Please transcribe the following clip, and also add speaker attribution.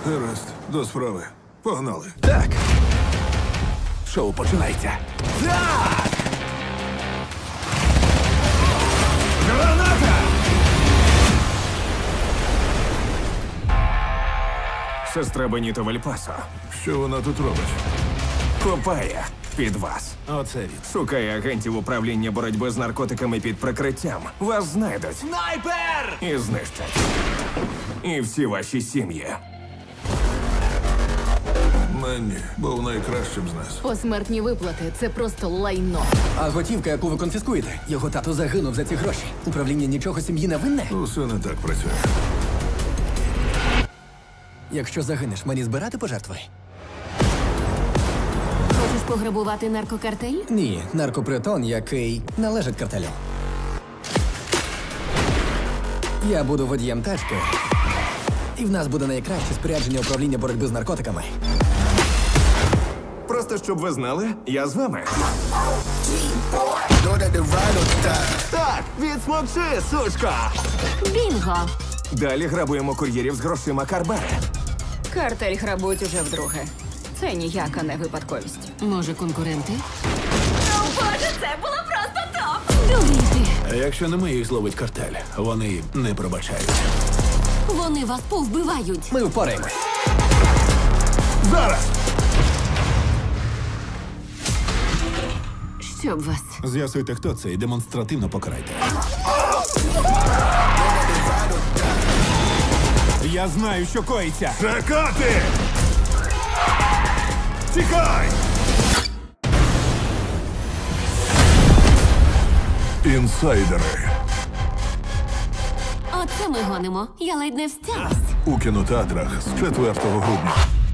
Speaker 1: Гаразд, до справи. Погнали.
Speaker 2: Так. Шоу починається. Так! Граната! Сестра Беніто Вальпасо
Speaker 1: Що вона тут робить?
Speaker 2: копає під вас.
Speaker 1: Оце він.
Speaker 2: Шукає агентів управління боротьби з наркотиками під прикриттям. Вас знайдуть. Снайпер! І знищать. І всі ваші сім'ї.
Speaker 1: Менні був найкращим з нас.
Speaker 3: Посмертні виплати це просто лайно.
Speaker 4: А готівка, яку ви конфіскуєте? Його тато загинув за ці гроші. Управління нічого сім'ї не винне?
Speaker 1: Усе не так працює.
Speaker 4: Якщо загинеш, мені збирати пожертви?
Speaker 3: Хочеш пограбувати наркокартель?
Speaker 4: Ні, наркопритон, який належить картелю. Я буду водієм тачки, і в нас буде найкраще спорядження управління боротьби з наркотиками.
Speaker 2: Просто щоб ви знали, я з вами. Так, відсмокши, сучка!
Speaker 3: Бінго!
Speaker 2: Далі грабуємо кур'єрів з грошима Карбери.
Speaker 5: Картель грабують уже вдруге. Це ніяка не випадковість.
Speaker 3: Може, конкуренти? О, Боже, це було просто топ! Дурійте!
Speaker 6: А якщо не ми їх зловить картель, вони не пробачають.
Speaker 3: Вони вас повбивають!
Speaker 4: Ми впораємось.
Speaker 2: Зараз!
Speaker 3: Щоб вас.
Speaker 6: З'ясуйте, хто це, і демонстративно покарайте. Я знаю, що коїться.
Speaker 1: Чекати! Тікай! Інсайдери
Speaker 3: Оце ми гонимо. Я ледь не встялась.
Speaker 1: у кінотеатрах з 4 грудня.